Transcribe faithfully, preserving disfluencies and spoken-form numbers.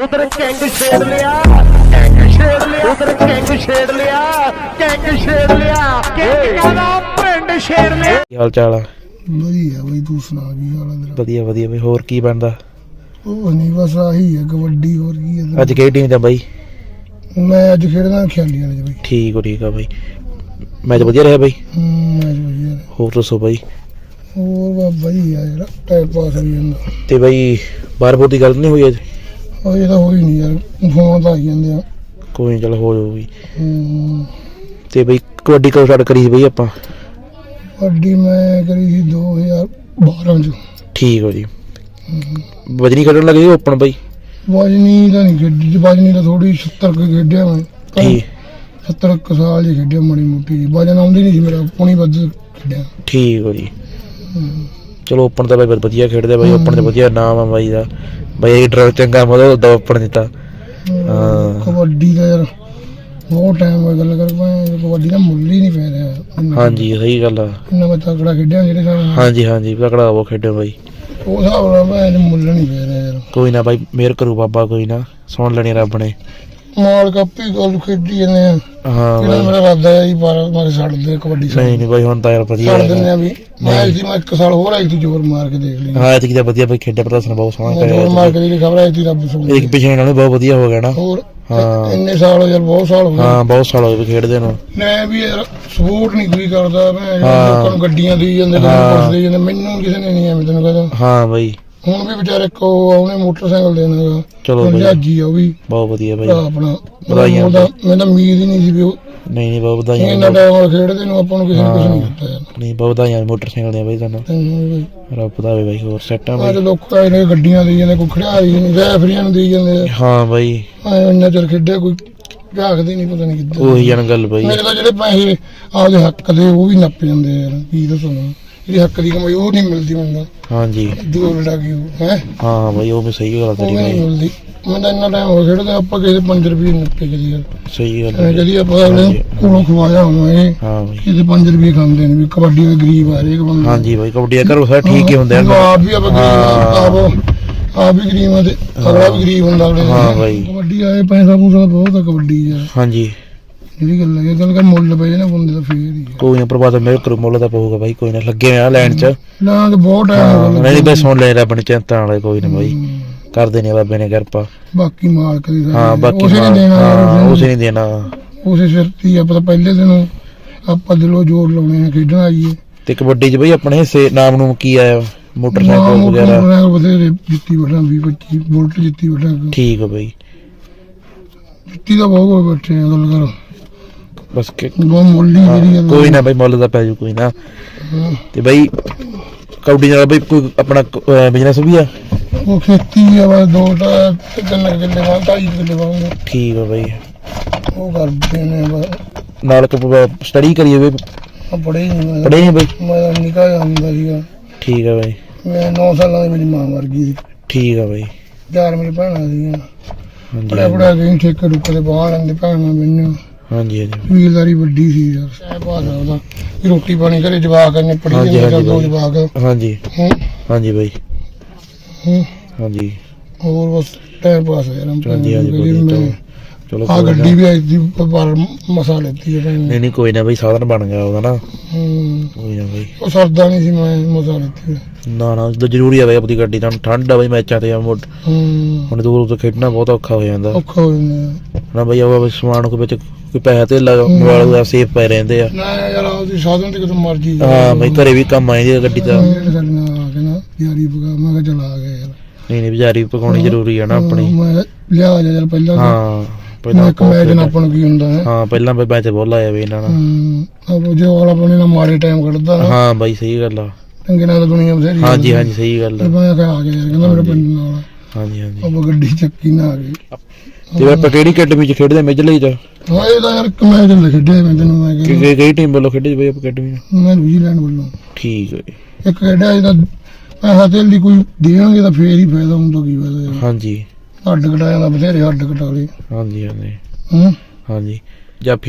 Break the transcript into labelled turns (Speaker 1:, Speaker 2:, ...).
Speaker 1: ਉਧਰ ਕਿੰਗ ਛੇੜ ਲਿਆ ਕਿੰਗ ਛੇੜ ਲਿਆ ਉਧਰ ਕਿੰਗ ਛੇੜ ਲਿਆ ਕਿੰਗ ਛੇੜ ਲਿਆ ਕਿੰਗ ਕਹਿੰਦਾ ਪਿੰਡ ਛੇੜ ਲਿਆ।
Speaker 2: ਕੀ ਹਾਲ ਚਾਲ ਆ?
Speaker 3: ਵਧੀਆ ਬਈ, ਤੂੰ ਸੁਣਾ ਕੀ ਹਾਲ ਆ ਤੇਰਾ?
Speaker 2: ਵਧੀਆ ਵਧੀਆ ਬਈ। ਹੋਰ ਕੀ ਬਣਦਾ?
Speaker 3: ਉਹ ਨਹੀਂ ਬਸ ਆਹੀ ਹੈ ਕਬੱਡੀ, ਹੋਰ ਕੀ ਹੈ।
Speaker 2: ਅੱਜ ਕਿਹੜੀ ਟੀਮ ਦਾ ਬਾਈ?
Speaker 3: ਮੈਂ ਅੱਜ ਖੇਡਦਾ ਖਿਆਲੀਆਂ ਚ ਬਈ।
Speaker 2: ਠੀਕ ਹੋ ਠੀਕ ਆ ਬਾਈ। ਮੈਚ ਵਧੀਆ ਰਿਹਾ ਬਾਈ?
Speaker 3: ਹੂੰ ਮੈਚ ਵਧੀਆ ਰਿਹਾ।
Speaker 2: ਹੋਰ ਦੱਸੋ ਬਾਈ।
Speaker 3: ਹੋਰ ਬਸ ਵਧੀਆ ਯਾਰ, ਟਾਈਮ ਪਾਸ ਹੋਈ ਜਾਂਦਾ।
Speaker 2: ਤੇ ਬਾਈ ਬਾਹਰ ਬੋਰ ਦੀ ਗੱਲ ਨਹੀਂ ਹੋਈ ਅੱਜ?
Speaker 3: ਉਹ ਇਹ ਤਾਂ ਹੋਈ ਨਹੀਂ ਯਾਰ, ਫੋਨ ਤਾਂ ਆਈ ਜਾਂਦੇ ਆ।
Speaker 2: ਕੋਈ ਨਹੀਂ, ਚੱਲ ਹੋ ਜਾਊ ਬਈ।
Speaker 3: ਹੂੰ
Speaker 2: ਤੇ ਬਾਈ ਕਬੱਡੀ ਕਦੋਂ ਸਟਾਰਟ ਕਰੀ ਸੀ ਬਾਈ ਆਪਾਂ?
Speaker 3: ਕਬੱਡੀ ਮੈਂ ਕਰੀ ਸੀ ਦੋ ਹਜ਼ਾਰ ਬਾਰਾਂ ਚ।
Speaker 2: ਠੀਕ ਹੋ ਜੀ। ਵਜਨੀ ਖੇਡਣ ਲੱਗੇ ਸੀ ਓਪਨ ਬਾਈ?
Speaker 3: ਵਜਨੀ ਤਾਂ ਨਹੀਂ ਖੇਡੀ, ਵਜਨੀ ਤਾਂ ਥੋੜੀ ਸੱਤਰ ਕੁ ਖੇਡਿਆ ਮੈਂ।
Speaker 2: ਠੀਕ।
Speaker 3: ਸੱਤਰ ਕੁ ਸਾਲ ਹੀ ਖੇਡਿਆ ਮਾੜੀ ਮੋਟੀ, ਵਜਨ ਆਉਂਦੀ ਨਹੀਂ ਸੀ ਮੇਰਾ, ਪੌਣੀ ਵੱਧ ਖੇਡਿਆ।
Speaker 2: ਠੀਕ ਹੋ ਜੀ। ਚਲੋ ਓਪਨ ਤਾਂ ਬਾਈ ਵਧੀਆ ਖੇਡਦੇ ਬਾਈ, ਓਪਨ ਤੇ ਵਧੀਆ ਨਾਮ ਆ ਬਾਈ ਦਾ। ਬਾਈ ਡਰਾਈਵਰ ਚੰਗਾ ਮਤਲਬ ਦਾ ਓਪਨ ਦਿੱਤਾ। ਹਾਂ
Speaker 3: ਕਬੱਡੀ ਦਾ ਯਾਰ ਬਹੁਤ ਟਾਈਮ ਹੋਇਆ ਗੱਲ ਕਰ ਪਾਏ, ਕਬੱਡੀ ਦਾ ਮੁੱਲ ਹੀ ਨਹੀਂ ਪੈ ਰਿਹਾ।
Speaker 2: ਹਾਂਜੀ ਸਹੀ ਗੱਲ ਆ।
Speaker 3: ਇੰਨਾ ਮੈਂ ਤਕੜਾ ਖੇਡਿਆ ਜਿਹੜੇ ਹਿਸਾਬ ਨਾਲ।
Speaker 2: ਹਾਂਜੀ ਹਾਂਜੀ ਤਕੜਾ ਉਹ ਖੇਡਿਓ ਬਾਈ।
Speaker 3: ਉਹ ਹਿਸਾਬ ਨਾਲ ਮੈਂ ਮੁੱਲ ਨਹੀਂ ਪੈ ਰਿਹਾ ਯਾਰ।
Speaker 2: ਕੋਈ ਨਾ ਬਾਈ, ਮਿਹਰ ਕਰੂ ਬਾਬਾ, ਕੋਈ ਨਾ ਸੁਣ ਲੈਣੀ ਰੱਬ ਨੇ।
Speaker 3: ਮਾਲ ਕਾਪੀ ਗੱਲ ਖੇਡੀ ਜਾਂਦੇ ਆ।
Speaker 2: ਹਾਂ
Speaker 3: ਜਿਹੜਾ ਮੇਰਾ ਇਰਾਦਾ ਹੈ ਜੀ ਪਰ ਮਾਰੇ ਛੱਡ ਦੇ ਕਬੱਡੀ।
Speaker 2: ਨਹੀਂ ਨਹੀਂ ਬਾਈ ਹੁਣ ਤਾਂ ਯਾਰ ਵਧੀਆ
Speaker 3: ਛੱਡ ਦਿੰਦੇ ਆ ਵੀ। ਮੈਂ ਇਸ ਮੈਂ ਇੱਕ ਸਾਲ ਹੋਰ ਆਈ ਸੀ, ਜ਼ੋਰ ਮਾਰ ਕੇ ਦੇਖ ਲਈ।
Speaker 2: ਹਾਂ ਐਤਕੀ ਤਾਂ ਵਧੀਆ ਬਾਈ ਖੇਡਿਆ, ਪ੍ਰਦਰਸ਼ਨ ਬਹੁਤ ਸੋਹਣਾ ਕਰਿਆ।
Speaker 3: ਜ਼ੋਰ ਮਾਰ ਕੇ ਜਿਹੜੀ ਖਬਰ ਆਈ ਸੀ ਰੱਬ ਸੁਣ।
Speaker 2: ਇੱਕ ਪਿਛਲੇ ਨਾਲੋਂ ਬਹੁਤ ਵਧੀਆ ਹੋ ਗਿਆ ਨਾ।
Speaker 3: ਹੋਰ
Speaker 2: ਹਾਂ
Speaker 3: ਇੰਨੇ ਸਾਲ ਹੋ ਯਾਰ, ਬਹੁਤ ਸਾਲ ਹੋ ਗਏ।
Speaker 2: ਹਾਂ ਬਹੁਤ ਸਾਲ ਹੋਏ ਖੇਡਦੇ ਨੂੰ।
Speaker 3: ਮੈਂ ਵੀ ਯਾਰ ਸਪੋਰਟ ਨਹੀਂ ਕੋਈ ਕਰਦਾ। ਮੈਂ ਲੋਕਾਂ ਨੂੰ ਗੱਡੀਆਂ ਦੇਈ ਜਾਂਦੇ, ਕੁਛ ਦੇਈ ਜਾਂਦੇ, ਮੈਨੂੰ ਕਿਸੇ ਨੇ ਨਹੀਂ ਐਵੇਂ ਤੈਨੂੰ ਕਹਿੰਦਾ।
Speaker 2: ਹਾਂ ਬਾਈ
Speaker 3: ਹੁਣ ਵੀ ਵਿਚਾਰੇ ਇੱਕ ਉਹ ਉਹਨੇ ਮੋਟਰਸਾਈਕਲ ਦੇਣਾ।
Speaker 2: ਚਲੋ ਬਾਈ
Speaker 3: ਜਹਾਜੀ ਆ ਉਹ ਵੀ
Speaker 2: ਬਹੁਤ ਵਧੀਆ ਬਾਈ।
Speaker 3: ਆਪਣਾ
Speaker 2: ਵਧਾਈਆਂ।
Speaker 3: ਉਹਦਾ ਮੈਨੂੰ ਤਾਂ ਉਮੀਦ ਹੀ ਨਹੀਂ ਸੀ ਵੀ ਉਹ
Speaker 2: ਨਹੀਂ ਨਹੀਂ ਬਹੁਤ ਵਧਾਈਆਂ।
Speaker 3: ਇੰਨਾ ਟਾਈਮ ਨਾਲ ਖੇਡਦੇ ਨੂੰ ਆਪਾਂ ਨੂੰ ਕਿਸੇ ਨੇ ਕੁਛ ਨਹੀਂ ਦਿੱਤਾ ਯਾਰ।
Speaker 2: ਨਹੀਂ ਬਹੁਤ ਵਧਾਈਆਂ ਮੋਟਰਸਾਈਕਲ ਦੀਆਂ ਬਾਈ ਤੁਹਾਨੂੰ।
Speaker 3: ਤੈਨੂੰ
Speaker 2: ਰੱਬ ਦਾ ਬਾਈ। ਹੋਰ ਸੈੱਟ ਆ
Speaker 3: ਅੱਜ
Speaker 2: ਬਾਈ?
Speaker 3: ਲੋਕ ਆਏ ਨੇ ਗੱਡੀਆਂ ਦੇਈ ਜਾਂਦੇ, ਕੋਈ ਖੜਾਈ ਨਹੀਂ, ਰੈਫਰੀਆਂ ਨੂੰ ਦੇਈ ਜਾਂਦੇ ਆ।
Speaker 2: ਹਾਂ ਬਾਈ
Speaker 3: ਐ ਇੰਨਾ ਚਿਰ ਖੇਡਿਆ ਕੋਈ ਝਾਕਦੇ ਨਹੀਂ, ਪਤਾ ਨਹੀਂ ਕਿੱਦਾਂ।
Speaker 2: ਉਹੀ ਜਨ ਗੱਲ ਬਾਈ।
Speaker 3: ਮੇਰੇ ਤਾਂ ਜਿਹੜੇ ਪੈਸੇ ਆਪਦੇ ਹੱਕ ਦੇ ਉਹ ਵੀ ਨੱਪ ਜਾਂਦੇ ਆ ਯਾਰ। ਕੀ ਦੱਸੋ ਨਾ, ਜਿਹੜੀ ਹੱਕ ਦੀ ਕਮਾਈ ਉਹ ਨਹੀਂ ਮਿਲਦੀ ਮੈਨੂੰ।
Speaker 2: ਹਾਂਜੀ
Speaker 3: ਦੂਰ ਲੜਾ ਕੇ ਹੈ।
Speaker 2: ਹਾਂ ਬਾਈ ਉਹ ਵੀ ਸਹੀ ਗੱਲ
Speaker 3: ਉਹ
Speaker 2: ਤੇਰੀ
Speaker 3: ਨਹੀਂ
Speaker 2: ਬਾਈ।
Speaker 3: ਮਿਲਦੀ। ਮੈਂ ਤਾਂ ਇੰਨਾ ਟਾਈਮ ਹੋ ਖੇਡਦਾ, ਆਪਾਂ ਕਿਸੇ ਪੰਜ ਰੁਪਏ ਨੱਪੇ ਕਦੀ ਯਾਰ।
Speaker 2: ਸਹੀ ਗੱਲ
Speaker 3: ਐ
Speaker 2: ਹੈ।
Speaker 3: ਜਿਹੜੀ ਆਪਾਂ ਅਗਲੇ ਕੋਲੋਂ ਖਵਾਇਆ ਹੋਣਾ ਇਹ
Speaker 2: ਹਾਂ ਬਾਈ
Speaker 3: ਕਿਤੇ ਪੰਜ ਰੁਪਏ ਖਾਂਦੇ ਨੇ ਵੀ ਕਬੱਡੀ ਦੇ ਗਰੀਬ ਆ ਹਰੇਕ ਬੰਦਾ।
Speaker 2: ਹਾਂਜੀ ਬਾਈ ਕਬੱਡੀ ਘਰੋਂ ਸਾਰੇ ਠੀਕ ਹੀ ਹੁੰਦੇ ਆ।
Speaker 3: ਆਪ ਵੀ ਆਪਾਂ ਗਰੀਬ ਆਪ ਆਪ ਵੀ ਗਰੀਬ ਆ ਤੇ ਅਗਲਾ ਵੀ ਗਰੀਬ ਹੁੰਦਾ ਅਗਲੇ।
Speaker 2: ਹਾਂ ਬਾਈ
Speaker 3: ਕਬੱਡੀ ਆਏ ਪੈਸਾ ਪੂਸਾ ਬਹੁਤ ਆ ਕਬੱਡੀ ਯਾਰ।
Speaker 2: ਹਾਂਜੀ
Speaker 3: ਜਿਹੜੀ ਗੱਲ ਹੈ ਗੱਲ ਕਰ ਮੁੱਲ ਪਏ ਨਾ ਬੰਦੇ ਦਾ ਫੇਰ ਹੀ।
Speaker 2: ਕੋਈ ਨਾ ਪ੍ਰਭਾਤ ਮੇਰੇ ਕਰੂ ਮੁੱਲ ਦਾ ਪਊਗਾ ਬਾਈ। ਕੋਈ ਨਾ ਲੱਗੇ ਆ ਲੈਣ ਚ।
Speaker 3: ਨਾ ਤੇ ਬਹੁਤ ਟਾਈਮ ਹੋ
Speaker 2: ਨਹੀਂ ਬਾਈ ਸੁਣ ਲੈ ਰੱਬ ਨੇ ਚਿੰਤਾ ਵਾਲੇ। ਕੋਈ ਨਾ ਬਾਈ ਕਰਦੇ ਨੇ ਬਾਬੇ ਨੇ ਕਿਰਪਾ।
Speaker 3: ਬਾਕੀ ਮਾਲਕ ਦੀ
Speaker 2: ਹਾਂ ਬਾਕੀ
Speaker 3: ਉਸੇ ਨੇ ਦੇਣਾ ਯਾਰ,
Speaker 2: ਉਸੇ ਨਹੀਂ ਦੇਣਾ।
Speaker 3: ਉਸੇ ਸਿਰ ਤੇ ਆਪਾਂ ਤਾਂ ਪਹਿਲੇ ਦਿਨ ਆਪਾਂ ਦਿਲੋਂ ਜ਼ੋਰ ਲਾਉਣੇ ਆ ਖੇਡਣ ਆਈਏ।
Speaker 2: ਤੇ ਕਬੱਡੀ ਚ ਬਾਈ ਆਪਣੇ ਹਿੱਸੇ ਨਾਮ ਨੂੰ ਕੀ ਆਇਆ? ਮੋਟਰਸਾਈਕਲ ਵਗੈਰਾ
Speaker 3: ਬਥੇਰੇ ਜਿੱਤੀ ਬੈਠਾ, ਵੀਹ ਪੱਚੀ ਬੁਲਟ ਜਿੱਤੀ ਬੈਠਾ।
Speaker 2: ਠੀਕ ਆ ਬਾਈ।
Speaker 3: ਜਿੱਤੀ ਤਾਂ ਬਹੁਤ ਬੈਠੇ ਆ ਗੱਲ ਕਰ
Speaker 2: ਬਸ ਕਿ
Speaker 3: ਬਹੁਤ ਮੁੱਲ ਹੀ ਜਿਹੜੀ ਗੱਲ।
Speaker 2: ਕੋਈ ਨਾ ਬਾਈ ਮੁੱਲ ਦਾ ਪੈ ਜੂ ਕੋਈ ਨਾ। ਤੇ ਬਾਈ ਕਬੱਡੀ ਨਾਲ ਬਾਈ ਕੋਈ ਆਪਣਾ ਬਿਜ਼ਨਸ ਵੀ ਆ?
Speaker 3: ਉਹ ਖੇਤੀ ਆ ਬਸ, ਦੋ ਤਾਂ ਤਿੰਨ ਕਿੱਲੇ ਵਾਂ, ਢਾਈ ਕਿੱਲੇ ਵਾਂਗੇ।
Speaker 2: ਠੀਕ ਆ ਬਾਈ।
Speaker 3: ਉਹ ਕਰਦੇ ਨੇ ਬਸ।
Speaker 2: ਨਾਲ ਸਟੱਡੀ ਕਰੀਏ ਬਾਈ?
Speaker 3: ਆ ਪੜ੍ਹੇ ਨਹੀਂ ਮੈਂ।
Speaker 2: ਪੜ੍ਹੇ ਨੀ ਬਾਈ?
Speaker 3: ਮੈਂ ਨਿੱਕਾ ਜਿਹਾ ਹੁੰਦਾ ਸੀਗਾ।
Speaker 2: ਠੀਕ ਆ ਬਾਈ।
Speaker 3: ਮੈਂ ਨੌ ਸਾਲਾਂ ਦੀ ਮੇਰੀ ਮਾਂ ਮਰ ਗਈ ਸੀ।
Speaker 2: ਠੀਕ ਆ ਬਾਈ।
Speaker 3: ਚਾਰ ਮੇਰੀ ਭੈਣਾਂ ਸੀਗੀਆਂ।
Speaker 2: ਹਾਂਜੀ
Speaker 3: ਪੜਿਆ ਪੜਿਆ ਕੇ ਠੇਕੇ ਰੁਕੇ ਤੇ ਬਾਹਰ ਲੈਂਦੇ ਭੈਣਾਂ ਮੈਨੂੰ।
Speaker 2: ਹਾਂਜੀ ਹਾਂਜੀ
Speaker 3: ਵੀਲਦਾਰੀ ਵੱਡੀ ਸੀ ਯਾਰ। ਸਹਿ ਭਾਸ਼ਾ ਉਹਦਾ ਵੀ ਰੋਟੀ ਪਾਣੀ ਘਰੇ ਜਵਾਕ ਨੇ ਪੜੀ
Speaker 2: ਹਾਂਜੀ,
Speaker 3: ਜਾਂਦੇ
Speaker 2: ਹਾਂਜੀ
Speaker 3: ਦੋ ਜਵਾਕ।
Speaker 2: ਹਾਂਜੀ
Speaker 3: ਹੂੰ
Speaker 2: ਹਾਂਜੀ ਬਾਈ।
Speaker 3: ਹੂੰ
Speaker 2: ਹਾਂਜੀ
Speaker 3: ਹੋਰ ਬਸ ਟਾਈਮ ਪਾਸ ਹੋਇਆ।
Speaker 2: ਹਾਂਜੀ ਹਾਂਜੀ
Speaker 3: ਮੈਂ
Speaker 2: ਚਲੋ
Speaker 3: ਆ ਗੱਡੀ ਵੀ ਆਈ ਸੀ ਪਰ ਮਸਾ ਲੈਤੀ ਹੈ ਭੈਣ ਨੇ।
Speaker 2: ਨਹੀਂ ਨਹੀਂ ਕੋਈ ਨਾ ਬਾਈ ਸਾਧਨ ਬਣ ਗਿਆ ਉਹਦਾ ਨਾ।
Speaker 3: ਹੂੰ
Speaker 2: ਕੋਈ ਨਾ ਬਾਈ।
Speaker 3: ਉਹ ਸਰਦਾ ਨਹੀਂ ਸੀ, ਮੈਂ ਮਸਾ ਲੈਤੀ।
Speaker 2: ਨਾ ਨਾ ਜਦੋਂ ਜ਼ਰੂਰੀ ਆ ਬਾਈ ਆਪਣੀ ਗੱਡੀ ਤਾਂ ਠੰਡ ਆ ਬਾਈ ਮੈਚਾਂ ਤੇ ਮੁੱਢ
Speaker 3: ਹੂੰ
Speaker 2: ਹੁਣ ਦੂਰ ਤੋਂ ਖੇਡਣਾ ਬਹੁਤ ਔਖਾ ਹੋ ਜਾਂਦਾ
Speaker 3: ਔਖਾ ਹੋ ਜਾਂਦਾ
Speaker 2: ਨਾ ਬਾਈ। ਉਹ ਸਮਾਨ ਕੋ ਵਿੱਚ ਕੋਈ ਪੈਸਾ ਤੇ ਮੋਬਾਈਲ ਦਾ ਸੇਫ ਪਏ ਰਹਿੰਦੇ ਆ
Speaker 3: ਨਾ ਯਾਰ। ਉਹਦੀ ਸਾਧਨ ਤੇ ਕਿਤੇ ਮਰਜੀ
Speaker 2: ਹਾਂ ਬਾਈ ਘਰੇ ਵੀ ਕੰਮ ਆਏ ਦੀ ਗੱਡੀ ਦਾ।
Speaker 3: ਸਾਡੇ ਨਾਲ ਆ ਕੇ ਨਾ ਯਾਰੀ ਪਕਾ, ਮੈਂ ਕਿਹਾ ਚਲ ਆ ਗਿਆ ਯਾਰ।
Speaker 2: ਨਹੀਂ ਨਹੀਂ ਬਜ਼ਾਰੀ ਪਕਾਉਣੀ ਜ਼ਰੂਰੀ ਆ ਨਾ ਆਪਣੀ।
Speaker 3: ਮੈਂ ਲਿਆ ਜਾ ਯਾਰ ਪਹਿਲਾਂ।
Speaker 2: ਹਾਂ
Speaker 3: ਪਹਿਲਾਂ ਇੱਕ ਮੈਚ ਨਾ ਆਪਾਂ ਨੂੰ ਕੀ ਹੁੰਦਾ ਹੈ।
Speaker 2: ਹਾਂ ਪਹਿਲਾਂ ਬਾਈ ਮੈਚ ਬਹੁਤ ਲਾਇਆ ਵੀ ਇਹਨਾਂ ਨਾਲ।
Speaker 3: ਹੂੰ ਜੇ ਵਾਲਾ ਆਪਣੇ ਨਾਲ ਮਾੜੇ ਟਾਈਮ ਕੱਢਦਾ।
Speaker 2: ਹਾਂ ਬਾਈ ਸਹੀ ਗੱਲ ਆ।
Speaker 3: ਚੰਗੇ ਨਾਲ ਤਾਂ ਦੁਨੀਆ ਬਥੇਰੀ।
Speaker 2: ਹਾਂਜੀ ਹਾਂਜੀ ਸਹੀ ਗੱਲ ਆ।
Speaker 3: ਮੈਂ ਕਿਹਾ ਆ ਗਿਆ ਯਾਰ, ਕਹਿੰਦਾ ਮੇਰੇ ਪਿੰਡ ਨਾਲ।
Speaker 2: ਹਾਂਜੀ ਹਾਂਜੀ
Speaker 3: ਆਪਾਂ ਗੱਡੀ ਚੱਕੀ ਨਾ ਆ ਗਈ।
Speaker 2: ਤੇ ਆਪਾਂ ਕਿਹੜੀ ਅਕੈਡਮੀ ਚ ਖੇਡਦੇ? ਮੇਜਰ ਲਈ ਚ?
Speaker 3: ਹਾਂ ਇਹ ਤਾਂ ਯਾਰ ਇੱਕ ਮੈਚ ਲੈ ਖੇਡਿਆ ਮੈਂ ਤੈਨੂੰ। ਮੈਂ
Speaker 2: ਕਿ ਕਿਹੜੀ ਟੀਮ ਵੱਲੋਂ ਖੇਡੇ ਬਾਈ ਆਪਾਂ ਅਕੈਡਮੀ?
Speaker 3: ਮੈਂ ਨਿਊਜ਼ੀਲੈਂਡ ਵੱਲੋਂ।
Speaker 2: ਠੀਕ ਹੈ।
Speaker 3: ਇੱਕ ਖੇਡਿਆ ਇਹਦਾ ਪੈਸਾ ਤੇਲ ਦੀ ਕੋਈ ਦੇਣਗੇ ਤਾਂ ਫੇਰ ਹੀ ਫਾਇਦਾ ਹੁੰਦਾ। ਕੀ ਫਾਇਦਾ ਯਾਰ।
Speaker 2: ਹਾਂਜੀ
Speaker 3: ਹੱਡ ਕਟਾਇਆ ਦਾ ਬਥੇਰੇ ਹੱਡ ਕਟਾ ਲਏ।
Speaker 2: ਹਾਂਜੀ ਹਾਂਜੀ
Speaker 3: ਹੂੰ
Speaker 2: ਹਾਂਜੀ ਜਾਂ